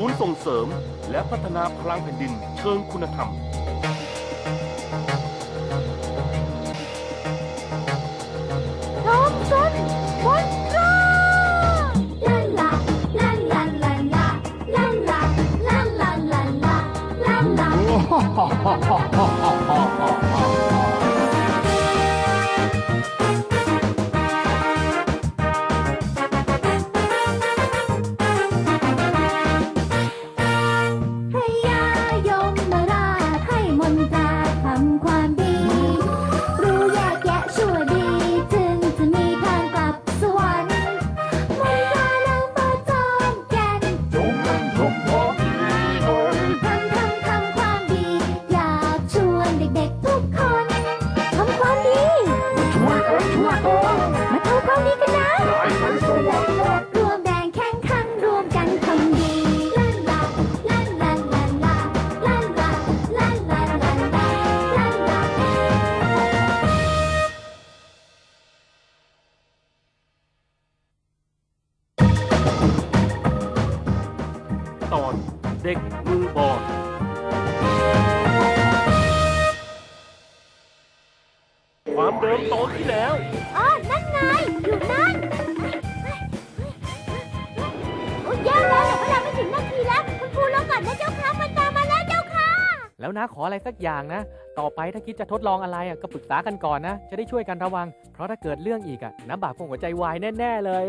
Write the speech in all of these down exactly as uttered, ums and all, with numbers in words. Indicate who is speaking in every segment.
Speaker 1: ศูนย์ส่งเสริมและพัฒนาพลังแผ่นดินเชิงคุณธรรม
Speaker 2: น้องซนมอนตราลาลาลาลาลาลาลาลาลาลาลาลาลาลา
Speaker 1: ตอนเด็กมือบอลความเดิมตอนที่แล้ว
Speaker 2: อ๋อนั่นไงอยู่นั่นโอ้ยแย่แล้วเวลาไม่ถึงนาทีแล้วคุณครูรอก่อนนะเจ้าค่ะมันตามมาแล้วเจ้าค่ะ
Speaker 3: แล้วนะขออะไรสักอย่างนะต่อไปถ้าคิดจะทดลองอะไรอ่ะก็ปรึกษากันก่อนนะจะได้ช่วยกันระวังเพราะถ้าเกิดเรื่องอีกอ่ะน้ำบากคงหัวใจวายแน่ๆเลย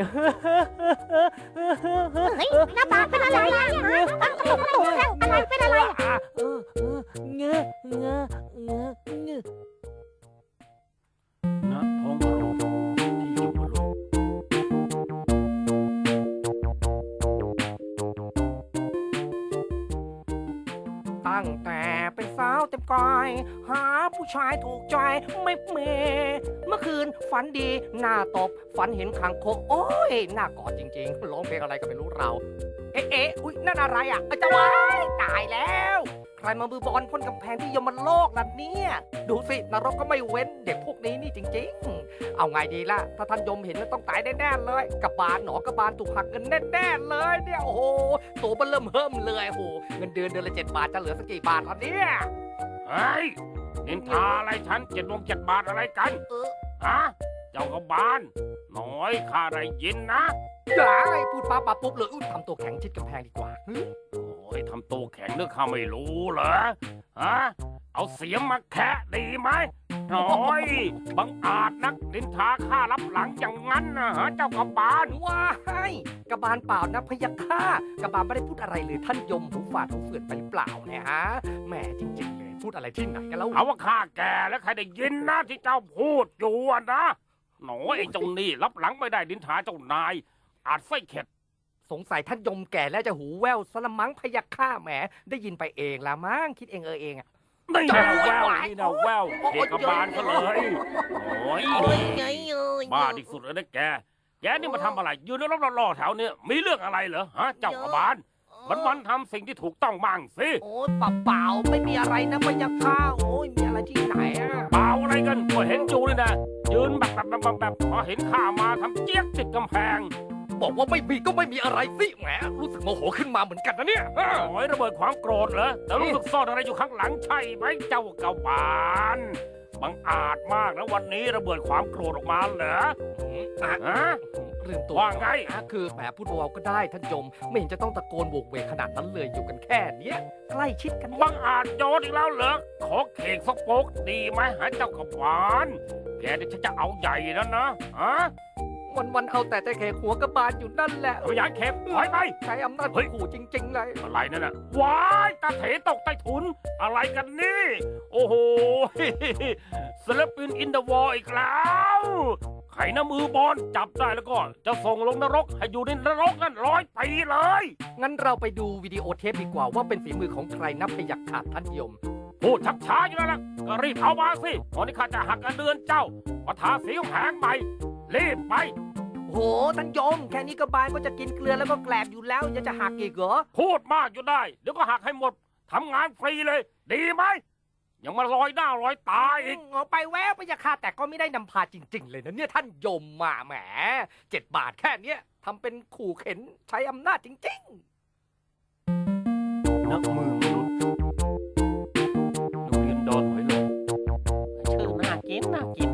Speaker 2: เฮ้ยน้ำบากเป็นอะไรอ่ะอะไรเป็นอะไรอ่ะ
Speaker 3: เออเออเงอะเงอะเงอะเงอะ
Speaker 1: ณท้องโรงที่อยู่บนโลก
Speaker 4: ตั้งแต่เป็นสาวเต็มกายหาผู้ชายถูกใจไม่เมเมื่อคืนฝันดีหน้าตบฝันเห็นคางคกโอ้ยหน้ากอดจริงๆร้องเพลงอะไรก็ไม่รู้เราเอ๊ะเอ๊ะอุ๊ยนั่นอะไรอ่ะจะวายตายแล้วใครมามือบอลพ่นกำแพงที่ยมโลกล่ะเนี่ยดูสินรกก็ไม่เว้นเด็กพวกนี้นี่จริงๆเอาไงดีล่ะถ้าท่านยมเห็นแล้วต้องตายแน่ๆเลยกระบาลหนอกระบาลถูกหักเงินแน่ๆเลยเนี่ยโอ้โหตัวมันเริ่มเฮิ่มเลยโอ้โหเงินเดือนเดือนละเจ็ดบาทจะเหลือสักกี่บาทตอนนี้
Speaker 1: เฮ้ยนินทาอะไรฉันเจ็ดวงเจ็ดบาทอะไรกันฮะเจ้ากบาลน้อยข้าได้ยินนะ
Speaker 4: ได้พูดปั๊บปั๊บปุ๊บเลยอุ้ยทำตัวแข็งชิดกำแพงดีกว่า
Speaker 1: โอ้ยทำตัวแข็งเรื่องข้าไม่รู้เหรอฮะเอาเสียงมาแคะดีไหมโอ้ยบังอาจนักนินทาข้ารับหลังอย่างนั้นนะฮะเจ้ากบาล
Speaker 4: ว้ายกบาลเปล่านะพยัคฆากบาลไม่ได้พูดอะไรเลยท่านยมหูฝาดหูเฟื่อนไปหรือเปล่าเนี่ยฮะแหมจริงๆเลยพูดอะไรที่ไหนกันแล้ว
Speaker 1: เอาว่าข้าแก่แล้วใครได้ยินนะที่เจ้าพูดอยู่นะหนอไอ้เจ้านี่รับหลังไม่ได้นินทาเจ้านายอาจไส้เข็ด
Speaker 4: สงสัยท่านยมแก่แล้วจะหูแว่วสละมังพยัคฆาแหมได้ยินไปเองละมั้งคิดเองเออเองอะ
Speaker 1: นี่นะแววนี่นะแววเด็กกบาลก็เลยโอ้ยบ้าที่สุดเลยนะแกแกนี่มาทำอะไรยืนแล้วรอๆแถวเนี้ยมีเรื่องอะไรเหรอฮะเจ้ากบาลมันมันทำสิ่งที่ถูกต้องบ้างสิ
Speaker 4: โอ้ยเปล่าเปล่าไม่มีอะไรนะพยัคฆาโอ้ยมีอะไรที่ไหนอะ
Speaker 1: เปล่าอะไรกันก็เห็นจูนี่นะยืนแบบแบบแบบแบบพอเห็นข้ามาทำเจี๊ยกติดกำแพง
Speaker 4: บอกว่าไม่มีก็ไม่มีอะไรสิแหมรู้สึกโมโหขึ้นมาเหมือนกันนะเนี่ย
Speaker 1: โอ้ยระเบิดความโกรธเหรอแต่รู้สึกซ่อนอะไรอยู่ข้างหลังใช่ไหมเจ้ากบาลบังอาจมากนะวันนี้ระเบิดความโกรธออกมาเหรอฮะ
Speaker 4: ลืมตัว
Speaker 1: ว่าไง
Speaker 4: คือแหมพูดเบาๆก็ได้ท่านยมไม่เห็นจะต้องตะโกนโวกเวกขนาดนั้นเลยอยู่กันแค่เนี้ยใกล้ชิดกัน
Speaker 1: บังอาจโยนอีกแล้วเหรอขอเข่งสักโป๊กดีไหมฮะเจ้ากบาลแกเดี๋ยวฉันจะเอาใหญ่แล้วนะฮะ
Speaker 4: วันวันเอาแต่ใจแขกหัวกระบาลอยู่นั่นแหละ
Speaker 1: พยานเข็มถอยไป
Speaker 4: ใช้อำนาจขู่จริงๆเลย
Speaker 1: อะไรนั่นน่ะว้ายตาเถตกใต้ถุนอะไรกันนี่โอ้โหศิลปินอินเดอะวอลอีกแล้วไขน้ำมือบอลจับได้แล้วก็จะส่งลงนรกให้อยู่ในนรกนั่นร้อยปีเลย
Speaker 4: งั้นเราไปดูวิดีโอเทปดีกว่าว่าเป็นฝีมือของใครนับพยัคฆ์ขาดท่านยม
Speaker 1: พูดชักช้าอยู่แล้วนะก็รีบเอามาสิตอนนี้ข้าจะหักเงินเดือนเจ้ามาทาสีของแผงใหม่รีบไป
Speaker 4: โหท่านยมแค่นี้กระบาลก็จะกินเกลือแล้วก็แกลบอยู่แล้วยังจะหักอีกเหรอ
Speaker 1: พูดมากอยู่ได้เดี๋ยวก็หักให้หมดทำงานฟรีเลยดีไหมยังมาลอยหน้าลอยตาอีก
Speaker 4: เอาไปแววไปจะฆ่าแต่ก็ไม่ได้นำพาจริงๆเลยนะเนี่ยท่านยมมาแหมเจ็ดบาทแค่เนี้ยทำเป็นขู่เข็นใช้อำนาจจริงๆ
Speaker 1: นักมือมนุษย์โรงเรียนดอนหอยหลอด
Speaker 4: ชื่อน่ากินน่ากิน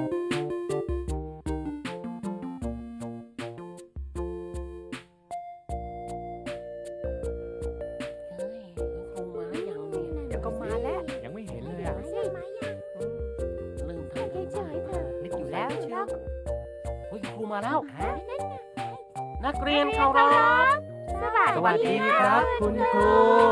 Speaker 4: เฮ้ยครูมาอย่างเนี่ยเดี๋ยวก็มาแล้ว
Speaker 3: ยังไม่เห็นเลยอ่ะ
Speaker 4: ลืมทำกัน
Speaker 2: เฉยๆเถอะ
Speaker 4: นึกอยู่แล้วเชียว
Speaker 1: เฮ้ยครูมาแล้ว
Speaker 4: ฮะ
Speaker 1: นักเรียนเคารพ
Speaker 3: สวัสดีครับ คุณครู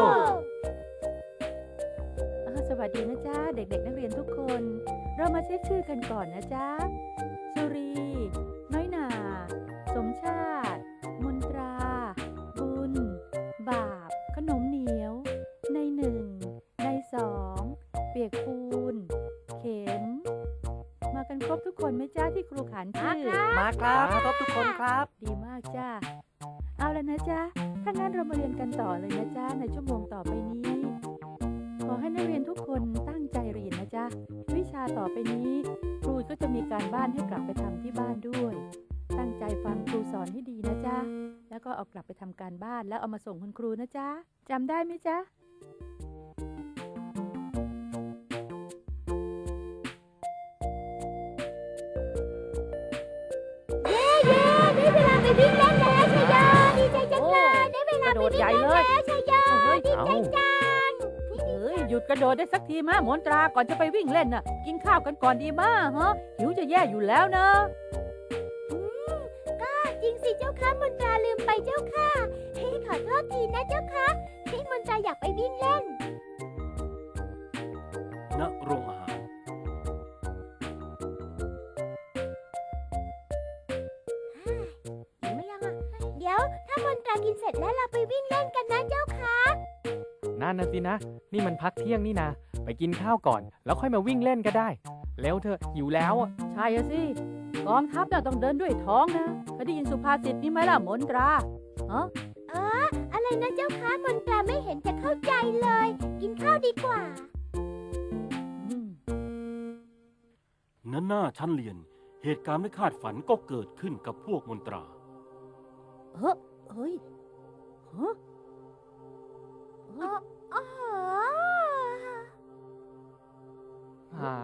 Speaker 5: อ่าสวัสดีนะจ๊ะ เด็กๆนักเรียนทุกคน เรามาเช็คชื่อกันก่อนนะจ๊ะสุรี น้อยหนา สมชาติ มนตรา บุญ บาป ขนมเหนียว ในหนึ่ง ในสอง เปียกปูน เข็ม มากันครบทุกคนไหมจ้าที่ครูขานชื่อ
Speaker 4: มาครับครบทุกคนครับ
Speaker 5: ดีมากจ้า เอาแล้วนะจ๊ะ ถ้างั้นเรามาเรียนกันต่อเลยนะจ๊ะในชั่วโมงต่อไปนี้ ขอให้นักเรียนทุกคนตั้งใจเรียนนะจ๊ะ วิชาต่อไปนี้ ครูก็จะมีการบ้านให้กลับไปทำที่บ้านด้วย ตั้งใจฟังครูสอนให้ดีนะจ๊ะ แล้วก็เอากลับไปทำการบ้านแล้วเอามาส่งคุณครูนะจ๊ะจำได้ไหมจ๊ะ
Speaker 2: เย้เย้ได้เวลาไปวิ่งเล่นแล้วชัยโยดีใจจังเลยได้เวลาไปวิ่งเล่นแล้วชัยโย
Speaker 5: เฮ้ย
Speaker 2: ดี
Speaker 3: เอา
Speaker 2: ใจจัง
Speaker 5: เอ้ยหยุดกระโดดได้สักทีมามนตราก่อนจะไปวิ่งเล่นน่ะ กินข้าวกันก่อนดีมาฮะหิวจะแย่อยู่แล้วนะ
Speaker 2: อืมก็จริงสิเจ้าค่ะมนตราลืมไปเจ้าค่ะเฮ้ยขอโทษทีนะเจ้าค่ะที่มนตราอยากไปวิ่งเล่น
Speaker 1: ณโรงอาหาร
Speaker 2: เห็นไหมยังอ่ะเดี๋ยวถ้ามนตรากินเสร็จแล้วเราไปวิ่งเล่นกันนะเจ้าค่ะ
Speaker 3: นั่นนะสินะ นี่มันพักเที่ยงนี่นะ ไปกินข้าวก่อน แล้วค่อยมาวิ่งเล่นก็ได้ แล้วเธอะหิวแล้วอ่ะ
Speaker 5: ใช่อะสิกองทัพน่ะต้องเดินด้วยท้องนะเคยได้ยินสุภาษิตนี้ไหมล่ะมนตราฮะ
Speaker 2: เอออะไรนะเจ้าค่ะมนตราไม่เห็นจะเข้าใจเลย กินข้าวดีกว่า
Speaker 5: อืม
Speaker 1: ณหน้าชั้นเรียน เหตุการณ์ไม่คาดฝันก็เกิดขึ้นกับพวกมนตรา
Speaker 5: เฮ้เฮ้ยฮะ
Speaker 2: อ๋ออ๋อ
Speaker 3: หา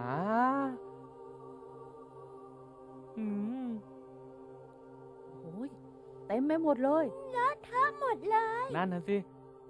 Speaker 3: อืม
Speaker 5: โอ้ยเต็มไปหมดเลย
Speaker 2: เลอะเทอะหมดเลย
Speaker 3: นั่นนะสิ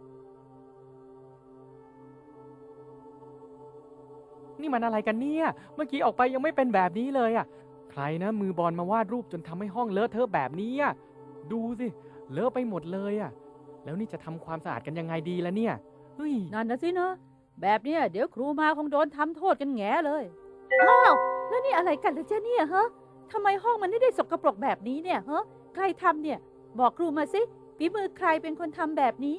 Speaker 3: นี่มันอะไรกันเนี่ย เมื่อกี้ออกไปยังไม่เป็นแบบนี้เลยอ่ะ ใครนะมือบอลมาวาดรูปจนทำให้ห้องเลอะเทอะแบบนี้อ่ะ ดูสิ เลอะไปหมดเลยอ่ะ แล้วนี่จะทำความสะอาดกันยังไงดีล่ะเนี่ย เฮ้ย
Speaker 5: นั่นนะสิเนอะแบบเนี้ยเดี๋ยวครูมาคงโดนทำโทษกันแง่เลยอ้าวแล้วนี่อะไรกันล่ะจ๊ะเนี่ยฮะทำไมห้องมันไม่ได้สกปรกแบบนี้เนี่ยฮะใครทำเนี่ย บอกครูมาสิฝีมือใครเป็นคนทำแบบนี้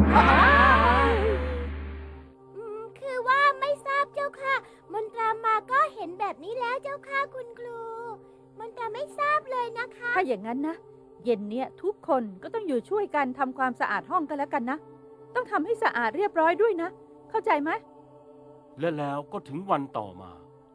Speaker 2: อืมคือว่าไม่ทราบเจ้าค่ะ มนตรามาก็เห็นแบบนี้แล้วเจ้าค่ะคุณครู มนตราไม่ทราบเลยนะคะ
Speaker 5: ถ้าอย่างนั้นนะเย็นเนี้ยทุกคนก็ต้องอยู่ช่วยกันทำความสะอาดห้องกันแล้วกันนะต้องทำให้สะอาดเรียบร้อยด้วยนะ เข้าใจไหม
Speaker 1: และแล้วก็ถึงวันต่อมา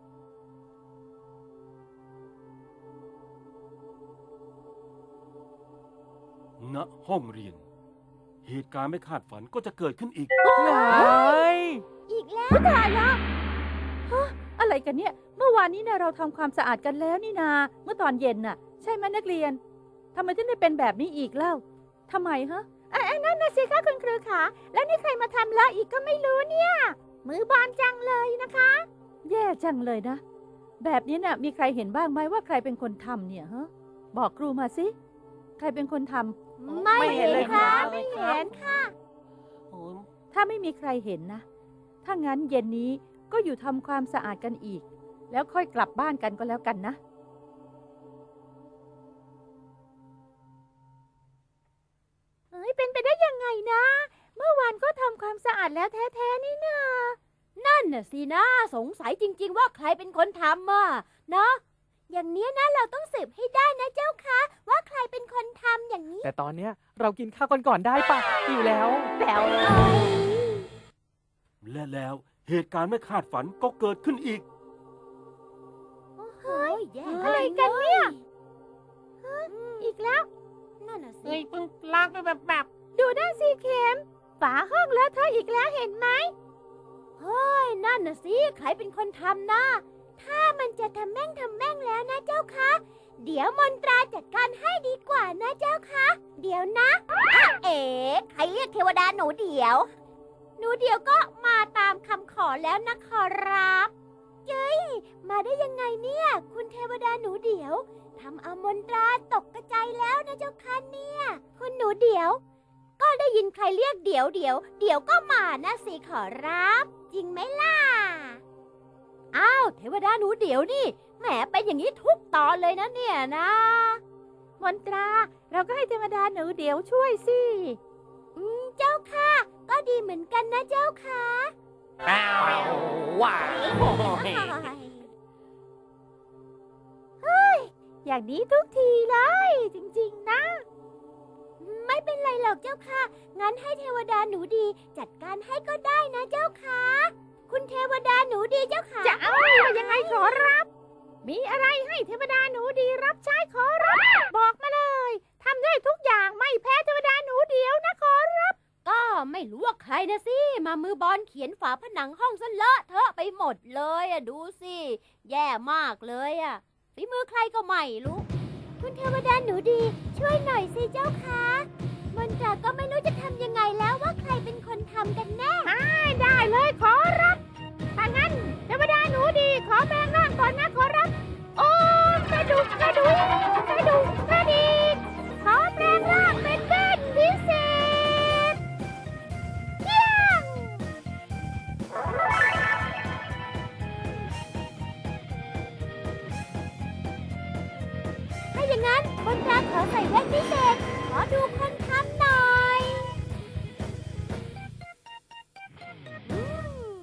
Speaker 1: ณห้องเรียน เหตุการณ์ไม่คาดฝันก็จะเกิดขึ้นอีก
Speaker 2: อีกแล้ว
Speaker 5: ตายแล้วฮะอะไรกันเนี่ย เมื่อวานนี้เนี่ยเราทำความสะอาดกันแล้วนี่นา เมื่อตอนเย็นน่ะ ใช่ไหมนักเรียนทำไมถึงได้เป็นแบบนี้อีกเล่าทำไมฮะ
Speaker 2: ไอ้นั่นนะสิคะคุณครูขาแล้วนี่ใครมาทำละอีกก็ไม่รู้เนี่ย มือบานจังเลยนะคะ
Speaker 5: แย่จังเลยนะ แบบนี้น่ะมีใครเห็นบ้างไหมว่าใครเป็นคนทำเนี่ยฮะบอกครูมาสิใครเป็นคนทำ
Speaker 2: ไม่
Speaker 4: ไม่เห็
Speaker 2: เห็
Speaker 4: น
Speaker 2: น
Speaker 4: เลย
Speaker 2: ค่ะ
Speaker 4: ครับ
Speaker 2: ไม่เห็นค่ะ
Speaker 4: โอ้ย
Speaker 5: ถ้าไม่มีใครเห็นนะ ถ้างั้นเย็นนี้ก็อยู่ทำความสะอาดกันอีก แล้วค่อยกลับบ้านกันก็แล้วกันนะ
Speaker 2: เฮ้ยเป็นไปได้ยังไงนะ เมื่อวานก็ทำความสะอาดแล้วแท้ๆนี่นานั่นน่ะสินะสงสัยจริง ๆ ว่าใครเป็นคนทำอ่ะเนาะอย่างเนี้ยนะเราต้องสืบให้ได้นะเจ้าคะว่าใครเป็นคนทำอย่างนี้
Speaker 3: แต่ตอนเนี้ยเรากินข้าวกันก่อนได้ปะหิวแล้ว
Speaker 5: แป๋วเลย
Speaker 1: และแล้วเหตุการณ์ไม่คาดฝันก็เกิดขึ้นอีก
Speaker 2: เฮ้ยอะไรกันเนี่ยอีกแล้วนั่นน่ะสิ
Speaker 4: เฮ้ยเพิ่งล้างไปแบบแบบ
Speaker 2: ดูด้านสีเข็มฝาห้องเลอะเทอะอีกแล้วเห็นไหมเฮ้ยนั่นน่ะสิใครเป็นคนทำนะถ้ามันจะทำแม่งทำแม่งแล้วนะเจ้าคะเดี๋ยวมนตราจัดการให้ดีกว่านะเจ้าคะเดี๋ยวนะอะเอ๋ใครเรียกเทวดาหนูเดี๋ยว หนูเดี๋ยวก็มาตามคำขอแล้วนะขอรับเจ้ยมาได้ยังไงเนี่ย คุณเทวดาหนูเดี๋ยวทำเอามนตราตกกระจายแล้วนะเจ้าค่ะเนี่ยคุณหนูเดี๋ยว ก็ได้ยินใครเรียกเดี๋ยวเดี๋ยวเดี๋ยวก็มานะสิขอรับ จริงไหมล่ะอ้าวเทวดาหนูเดี๋ยวนี่แหมเป็นอย่างนี้ทุกตอนเลยนะเนี่ยนะมนตราเราก็ให้เทวดาหนูเดี๋ยวช่วยสิอืมเจ้าค่ะก็ดีเหมือนกันนะเจ้าค่ะ
Speaker 4: อ้าวว้าว
Speaker 2: อย่างนี้ทุกทีเลยจริงๆนะ ไม่เป็นไรหรอกเจ้าค่ะงั้นให้เทวดาหนูดีจัดการให้ก็ได้นะเจ้าค่ะคุณเทวดาหนูดีเจ้าค่ะจะเอายังไงขอรับ มีอะไรให้เทวดาหนูดีรับใช้ขอรับ บอกมาเลยทำได้ทุกอย่างไม่แพ้เทวดาหนูเดียวนะขอรับ ก็ไม่รู้ว่าใครนะสิมามือบอลเขียนฝาผนังห้องซะเลอะเทอะไปหมดเลยอะดูสิแย่มากเลยอะฝีมือใครก็ไม่รู้ คุณเทวดาหนูดีช่วยหน่อยสิเจ้าคะมนตราก็ไม่รู้จะทำยังไงแล้วว่าใครเป็นคนทำกันแน่ได้เลยขอรับถ้างั้นเทวดาหนูดีขอแปลงร่างก่อนนะขอรับโอ้กระดูกกระดูกกระดูกกระดิกขอแปลงร่างเป็นเด่นพิเศษเยี่ยมถ้าอย่างนั้นมนตราขอใส่แว่นพิเศษขอดูคนทำหน่อยอืม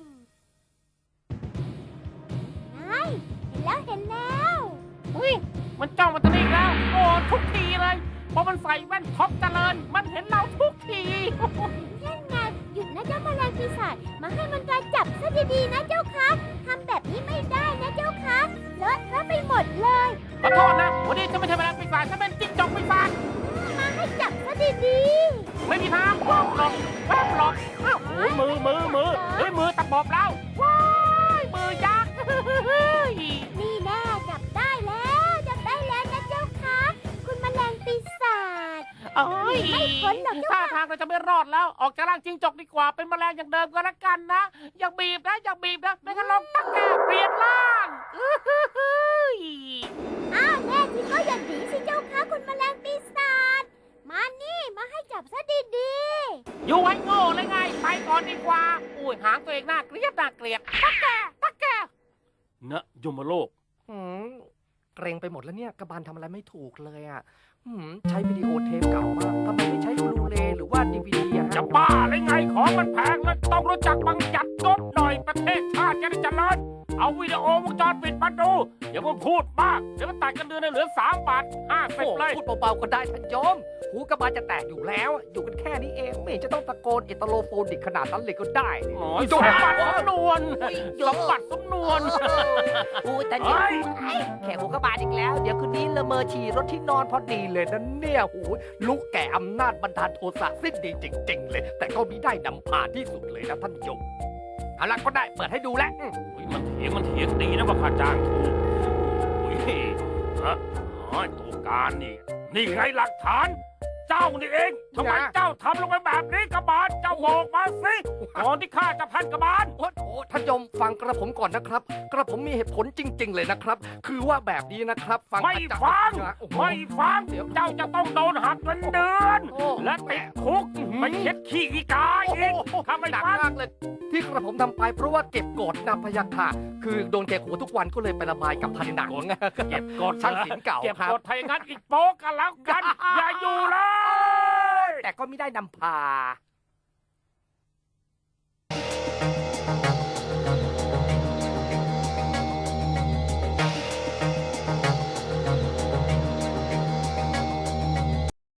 Speaker 2: นายเห็นแล้วเห็นแล้ว
Speaker 1: อุ้ยมันจ้องมาตรงนี้อีกแล้วโอ้ทุกทีเลยพอมันใส่แว่นท็อปเจริญมันเห็นเราทุกที
Speaker 2: นั่นไงหยุดนะเจ้าแมลงปีศาจมาให้มันตราจับซะดีๆนะเจ้าคะทำแบบนี้ไม่ได้นะเจ้าคะเลอะเทอะไปหมดเลย
Speaker 1: ขอโทษนะวันนี้ฉันไม่ใช่แมลงปีศาจฉันเป็นจิ้งจอกปีศาจ
Speaker 2: มาให้จับซะดี
Speaker 1: ไม่มีทางหลอกหรอกแวบหรอกอ้าวโอ้ยมือมือมือเฮ้ยมือตะบอบแล้วว้ายมือยักษ์
Speaker 2: ๆนี่แน่จับได้แล้วจับได้แล้วนะเจ้าคะคุณแมลงปีศาจ
Speaker 1: เอ้ย
Speaker 2: ไม่พ้นหรอกเจ้า
Speaker 1: ท่า
Speaker 2: ค่ะ
Speaker 1: ทางเราจะไม่รอดแล้ว ออกจากร่างจิ้งจกดีกว่า เป็นแมลงอย่างเดิมก็แล้วกันนะ อย่าบีบนะ อย่าบีบนะ ไม่งั้นเราตั้งแกเปลี่ยนร่างอื้อหือหือ
Speaker 2: อ้าวแน่จริงก็อย่าหนีสิเจ้าคะคุณแมลงปีศาจมานี่มาให้จับซะดี
Speaker 1: อยู่ไว้โง่เลยไง ไปก่อนดีกว่า อุ้ยหางตัวเองน่าเกลียดน่าเกลียดตักแกตักแกนะยมโลก
Speaker 4: หืมเกรงไปหมดแล้วเนี่ยกระบาลทำอะไรไม่ถูกเลยอ่ะหืมใช้วิดีโอเทปเก่ามากทำไมไม่ใช้บลูเรย์หรือว่าดีวีดีอะ
Speaker 1: จะ
Speaker 4: ฮะ
Speaker 1: บ้าเลยไง ของมันแพงแล้วต้องรู้จักบังจัดงบหน่อยประเทศชาติจะได้เจริญเอาวิดีโอวงจรปิดมาดูอย่ามาพูดมากเดี๋ยวมันตัดกันเดือนให้เหลือสามบาทห้าสิบ
Speaker 4: โอ้
Speaker 1: เลย
Speaker 4: พูดเบาๆก็ได้ท่านโยมหูกระบาลจะแตกอยู่แล้วอะอยู่กันแค่นี้เองไม่เห็นจะต้องตะโกนเอตโลโฟนิกขนาดนั้นเลยก็ได้นี่
Speaker 1: หน่อยสมบัติสำนวนสมบัติสำนวน
Speaker 4: อู้แต่
Speaker 1: เฮ้
Speaker 4: เนี่ย
Speaker 1: ย
Speaker 4: แขกหัวกระบาลอีกแล้ว เดี๋ยวคืนนี้ละเมอฉี่รถที่นอนพอดีเลยนะเนี่ยหูลุกแก่อำนาจบันดาลโทสะสิ้นดีจริงๆเลย แต่ก็มีได้นำพาที่สุดเลยนะท่านโยมเอาละก็ได้เปิดให้ดูแล้วอืม
Speaker 1: อุ๊ยมันเถียงมันเถียงดีนะว่าค่าจ้างถูกโอ้ยฮะอ๋อตัวการนี่ นี่ไงหลักฐาน เจ้านี่เองทำไมเจ้าทำลงไปแบบนี้กระบาลเจ้าบอกมาสิก่อนที่ข้าจะพันกระบาล
Speaker 4: โอ้โหท่านโยมฟังกระผมก่อนนะครับ กระผมมีเหตุผลจริง ๆ เลยนะครับ คือว่าแบบนี้นะครับ ฟัง
Speaker 1: ไม่
Speaker 4: อาจารย์
Speaker 1: ฟัง
Speaker 4: นะโอ้โห
Speaker 1: ไม่ฟัง เจ้าจะต้องโดนหักเงินเดือน
Speaker 4: โอ้
Speaker 1: และติดคุกไปเช็ดขี้อีกาอีกถ้าไม่
Speaker 4: หนัก
Speaker 1: ฟัง
Speaker 4: มากเลย ที่กระผมทำไปเพราะว่าเก็บกดนะพะยะค่ะ คือโดนแกะหัวทุกวันก็เลยไประบายกับผนัง
Speaker 1: เก็บกด
Speaker 4: ช่างศิลป์เก่า
Speaker 1: เก็บ
Speaker 4: ครับ
Speaker 1: กดไทยงั้นอีกโป๊กกันแล้วกัน อย่าอยู่เลย
Speaker 4: แต่ก็ไม่ได้นำพา